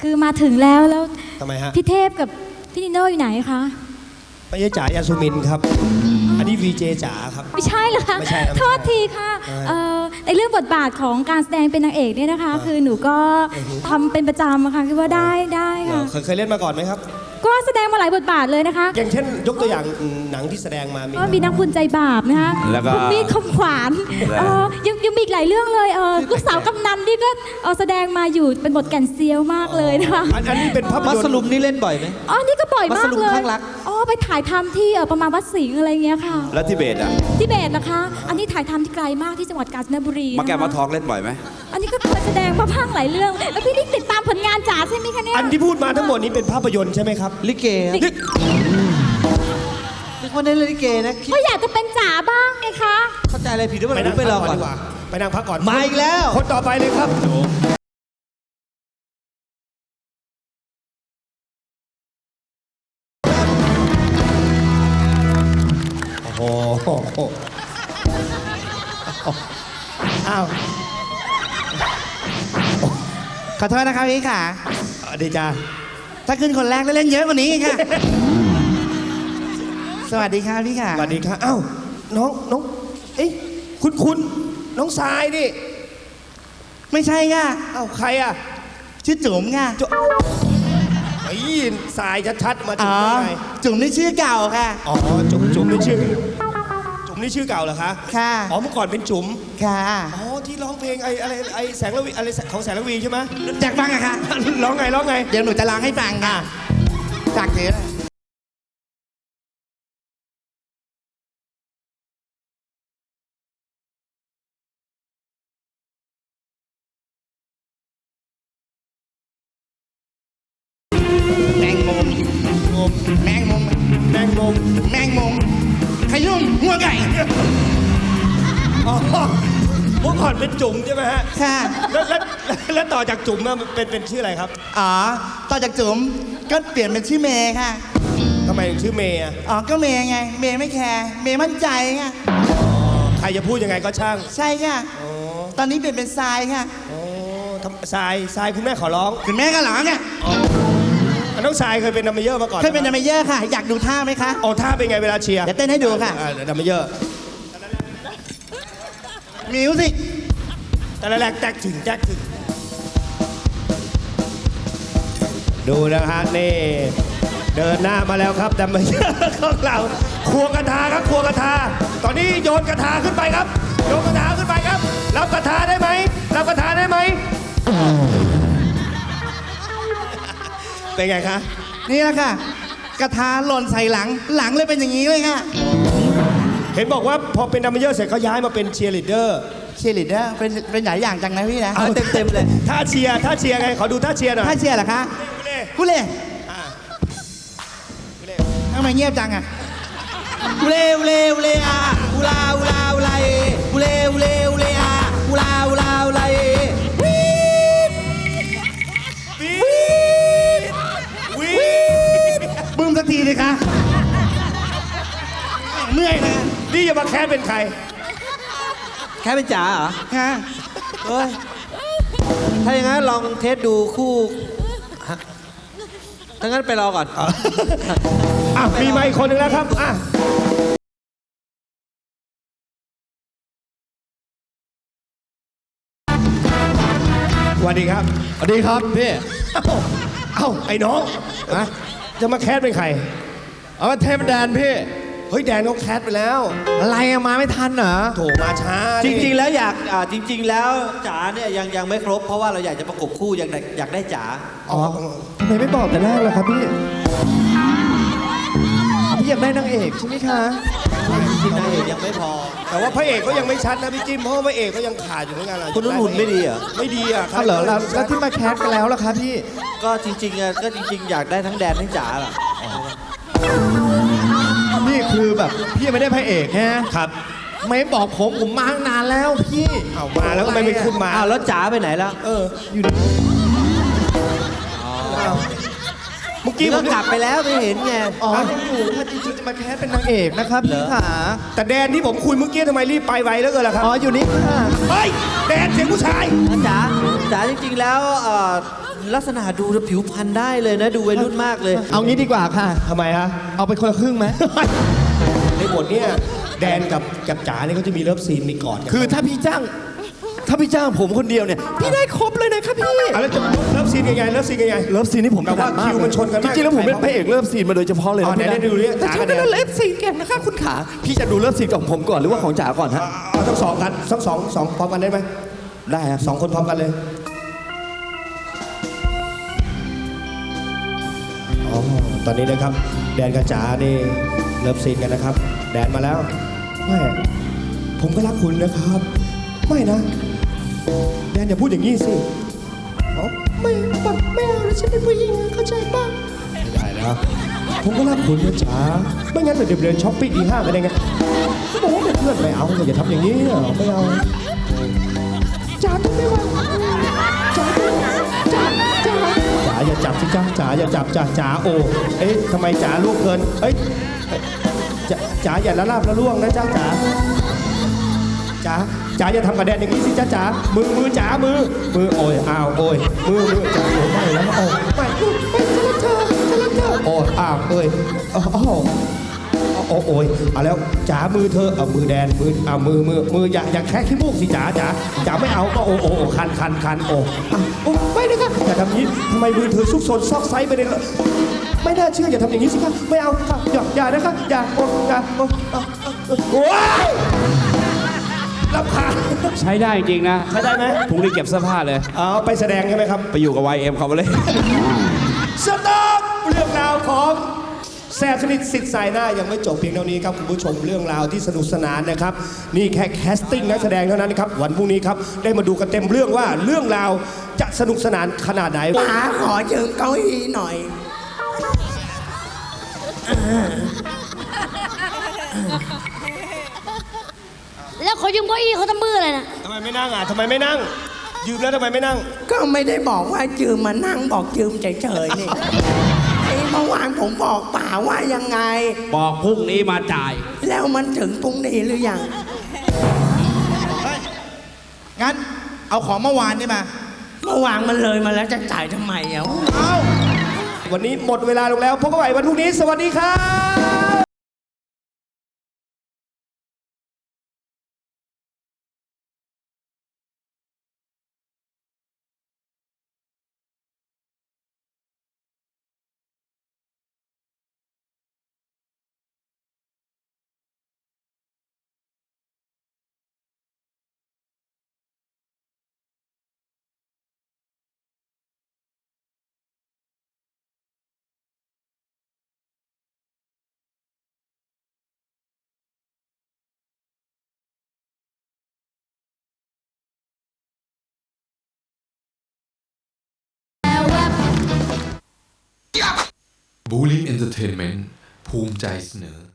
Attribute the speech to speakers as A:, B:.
A: คือมาถึงแล้ว
B: ทำไมฮะ
A: พี่เทพกับพี่นิโน่อยู่ไหนคะ
B: ไม่ใช่จ๋ายาสุมินครับอันนี้วีเจจ๋าครับ
A: ไม่ใช่เหรอคะ
B: ไม่ใช่ครับ
A: โทษทีค่ะในเรื่องบทบาทของการแสดงเป็นนางเอกเนี่ยนะคะคือหนูก็ทำเป็นประจำอะค่ะคิดว่าได้ค่ะ
B: เคยเล่นมาก่อนไหมครับ
A: ก็แสดงมาหลายบทบาทเลยนะคะ
B: อย่างเช่นยกตัวอย่างหนังที่แสดงมา
A: ก็มีนักบุญใจบาปนะคะ
C: แล้วก็
A: คุณมีดคมขวานยังมีอีกหลายเรื่องเลยลูกสาวกำนันนี่ก็แสดงมาอยู่เป็นบทแก่นเซียวมากเลยนะคะ
B: อันนี้เป็นภาพยนตร์
C: มัสลุมนี่เล่นบ่อยไหม
A: นี่ก็บ่อยมากเลย
C: มัสลุมข้างรัก
A: ไปถ่ายทำที่ประมาณวัดสิงห์อะไรเงี้ยค่ะ
C: แล้วทิเบตอ่ะ
A: ทิเบตนะคะอันนี้ถ่ายทำที่ไกลมากที่จังหวัดกาญจนบุรี
C: มาแกมาทองเล่นบ่อยไหม
A: อันนี้ก็เคยแสดงมาพังหลายเรื่องแล้วพี่นี่ติดตามผลงานจ๋าใช่ไหมคะเนี่ย
B: อันที่พูดมาทั้งหมดนี้เป็นภาพยนตร์ใช่ไหมครับ
C: ลิเกเป็นคนเล่นลิเกนะ
A: ก็อยากจะเป็นจ๋าบ้างไงคะ
C: เข้าใจอะไรผิดหรือเปล่าไปรอก่อน
B: ไปนั่งพักก่อน
C: มาอีกแล้ว
B: คนต่อไปเลยครับโอ้โหอ้าว
D: ขอโทษนะครับพี่ค่ะ
B: ดีจ้า
D: ถ้าขึ้นคนแรกแล้วเล่นเยอะกว่านี้ค่ะ สวัสดีครับพี่ค่ะ
B: สวัสดีครับอ้าวน้องเอ้ยคุณน้องทรายนี่
D: ไม่ใช่ค่ะ
B: อ้าวใครอ่ะ
D: ชื่อจุ๋มค่ะ
B: ไอ้ทรายชัดๆมาจุ๋มได้ไง
D: จุ๋มนี่ชื่อเก่าค่ะ
B: อ๋อจุ๋มนี่ชื่อเก่าเหรอคะ
D: ค่ะ
B: อ๋อเมื่อก่อนเป็นจุ๋ม
D: ค่ะ
B: อ๋อที่ร้องเพลงไอ้แสงระวีอะไรของแสงระวีใช่ไหม
D: อยากฟังอะค่ะ
B: ร้องไง
D: เดี๋ยวหนูจะร้องให้ฟังค่ะจากเธอแมงมุมขยุ่มหัวไก่
B: อ๋อเมื่อก่อนเป็นจุ๋มใช่ไหมฮะ
D: ค่ะ
B: แล้วต่อจากจุ๋มมาเป็นชื่ออะไรครับ
D: ต่อจากจุ๋มก็เปลี่ยนเป็นชื่อเมย์ค่ะ
B: ทำไมถึงชื่อเมย์
D: ก็เมย์ไงเมย์ไม่แคร์เมย์มั่นใจค่ะ
B: ใครจะพูดยังไงก็ช่าง
D: ใช่ค่ะตอนนี้เปลี่ยนเป็นทรายค่ะ
B: ทรายคุณแม่ขอร้อง
D: คุณแม่ก็หลังเนี่ย
B: น้องทรายเคยเป็นดัมเมเยอร์มาก่อน
D: เคยเป็นดัมเมเยอร์ค่ะอยากดูท่าไหมคะ
B: ท่าเป็นไงเวลาเชียร์
D: เดี๋ยวเต้นให้ดูค่ะ
B: ดัมเมเยอร์
D: มิวสิก
B: แต่ละแรกแจ๊กถึงดูนะฮะนี่เดินหน้ามาแล้วครับดัมเมเยอร์ของเราควงกระทาครับควงกระทาตอนนี้โยนกระทาขึ้นไปครับโยนกระทาขึ้นไปครับรับกระทาได้ไหมเป็นไงคะ
D: นี่แหละค่ะกระทาหล่นใส่หลังเลยเป็นอย่างนี้เลยค่ะ
B: เห็นบอกว่าพอเป็นดัมเมเยอร์เสร็จเขาย้ายมาเป็นเชียร์ลีดเดอร์
D: เป็นหลายอย่างจังนะพี่นะ
C: เอาเต็มเลย
B: ท่าเชียร์ไงขอดูท่าเชียร์หน่อย
D: ท่าเชียร์เหรอคะกุเล่ทำไมเงียบจังอะกุเล่อะอุลากุเล่อะอุลาบึ้มสักทีเลยค่ะเมื่อยนะ
B: นี่จะมาแคสเป็นใคร
C: แค่เป็นจ๋าเหรอ
D: ค่ะ
C: เฮ้ยถ้าอย่างนั้นลองเทสดูคู่ถ้างั้นไปรอก่อน
B: มีมาอีกคนนึงแล้วครับสวัสดีครับ
C: พี่
B: ไอ้น้องจะมาแคสเป็นใคร
C: เทพแดนพี่
B: เฮ้ยแดนเขาแคสไปแล้ว
C: อะไรมาไม่ทันเหรอ
B: โถมาช้า
C: จริงๆแล้วจริงๆแล้วจ๋าเนี่ยยังไม่ครบเพราะว่าเราอยากจะประกบคู่อยากได้จ๋า
D: ทำไมไม่บอกแต่แรกล่ะครับพี่อยากได้นางเอกใช่ไหมคะ
C: จริงๆนางเอกยังไม่พอ
B: แต่ว่าพระเอกก็ยังไม่ชัดนะพี่จิ้มเพราะพระเอกก็ยังขาดอยู่เหมือนกัน
C: คุณนุ่นหุ่นไม่ดีเหรอ
B: ไม่ดีครับ
D: เหรอแล้วที่มาแคสกันแล้วล่ะครับพี่
C: ก็จริงๆอยากได้ทั้งแดนทั้งจ๋าล่ะ
D: นี่คือแบบพี่ไม่ได้พระเอก
B: ครับ
D: ไม่บอกผมมาตั้งนานแล้วพี่
B: มาแล้วก็ไม่ขึ้นมา
C: แล้วจ๋าไปไหนแล้ว
D: อยู่
C: เมื่อกี้ผมกลับไปแล้วไม่เห็นไง
D: ยังอยู่ถ้าจริงๆจะมาแคสเป็นนางเอกนะครับพี่ขา
B: แต่แดนที่ผมคุยเมื่อกี้ทำไมรีบไปไวแล้วเกินล่ะครับ
D: อยู่นี่ค่ะ
B: เฮ้ยแดนเสียงผู้ชาย
C: จ๋าจริงๆแล้วลักษณะดูผิวพรรณได้เลยนะ ดูวัยรุ่นมากเลย
D: เอางี้ดีกว่าค่ะ
B: ทำไมฮะ
D: เอาไปคนละครึ่งไหม
B: ในบทเนี่ยแดนกับจ๋าเนี่ยเขาจะมีเลิฟซีนมีกอดกัน
D: คือถ้าพี่จ้างผมคนเดียวเนี่ย พี่ได้ครบเลยนะครับพี่
B: แล้วจะเลิฟซีนยังไงเลิฟซีนยังไง
D: เลิฟซีนนี่ผม
B: แต่ว่า
D: ถดก
B: คิวมันชนกัน
D: จ
B: มาก
D: ริงๆแล้วผมเป็นพระเอกเลิฟซีนมาโดยเฉพาะเลย
B: อ๋อ
D: นะพี่
B: ไหนๆดูดิ
D: แต่
B: จ๋า
D: ฉัน
B: กั
D: ก็
B: บแดน
D: เลิฟซีนเก่งนะคะคุณขาพี่จะดูเลิฟซีนของผมก่อนหรือว่าของจ๋าก่อนฮะ
B: เอาทั้งสองกันทั้งสองพร้อมกันได้ไหม
D: ได้ครับ
B: สองคนพร้อมกันเลยอ๋อตอนนี้นะครับแดนกับจ๋านี่เลิฟซีนกันนะครับ แดนมาแล้วไม่ผมก็รักคุณนะครับ ไม่นะ แดนอย่าพูดอย่างนี้สิอ๋อไม่เอานะฉันเป็นผู้หญิงเข้าใจป่ะไม่ได้แล้วผมก็รักคุณนะจ๋าไม่งั้นเดี๋ยวเดินช้อปปิ้งอีห้างกันได้ไงก็บอกว่าเป็นเพื่อนไม่เอาอย่าทำอย่างนี้ไม่เอาจ๋าไม่ไหวจ๋าอย่าจับสิจ๋าอย่าจับจ๋าโอ้เอ๊ะทำไมจ๋าลูกเกินเอ้ยจ๋าอย่าละลาบละล่วงนะจ๋าจ๋าอย่าทำกระแดนอย่างนี้สิจ๋ามือจ๋ามือโอ้ยอ้าวโอ้ยมือจ๋าโอ้ไม่แล้วโอ้ไม่ฉันรักเธอโอ้อ้าวเอ้ยโอ้ยเอาแล้วจ๋ามือเธอเอามือแดนมือเอามืออย่าแค่ขี้มูกสิจ๋าไม่เอาก็โอ้คันโอ้ไม่เลยค่ะอย่าทำนี้ทำไมมือเธอซุกซนซอกไซไปเลยไม่น่าเชื่ออย่าทำอย่างนี้สิคะไม่เอาค่ะอย่านะคะอย่าโอ้ยรำคาญ
E: ใช้ได้จริงนะ
B: ใช้ได้ไหม
E: พรุ่งนี้เก็บเสื้อผ้าเลย
B: เอาไปแสดงใช่ไหมครับ
E: ไปอยู่กับ YM เขาไปเลย
B: สต็อปเรื่องราวของแซ่บสนิทสิทธิ์สายหน้ายังไม่จบเพียงเท่านี้ครับคุณผู้ชมเรื่องราวที่สนุกสนานนะครับ นี่แค่แคสติ้งนักแสดงเท่านั้นนะครับวันพรุ่งนี้ครับได้มาดูกันเต็มเรื่องว่าเรื่องราวจะสนุกสนานขนาดไหน
F: ป๋าขอยืมเก้าอี้หน่อย
G: แล้วเขายืมเก้าอี้เขาทำมืออะไรนะ
B: ทำไมไม่นั่งทำไมไม่นั่ง ยืมแล้วทำไมไม่นั่ง
F: ก็ไม่ได้บอกว่ายืมมานั่งบอกยืมเฉยๆนี่ไอ้เมื่อวานผมบอกป๋าว่ายังไง
E: บอกพรุ่งนี้มาจ่าย
F: แล้วมันถึงพรุ่งนี้หรือยัง
D: งั้นเอาของเมื่อวานนี่มา
F: เมื่อวานมันเลยมาแล้วจะจ่ายทำไมอ่ะ
B: วันนี้หมดเวลาลงแล้วพบกันใหม่วันพรุ่งนี้สวัสดีครับ
H: บูลลิ e เอนเตอร์เทนเมนต์ภูมิใจเสนอ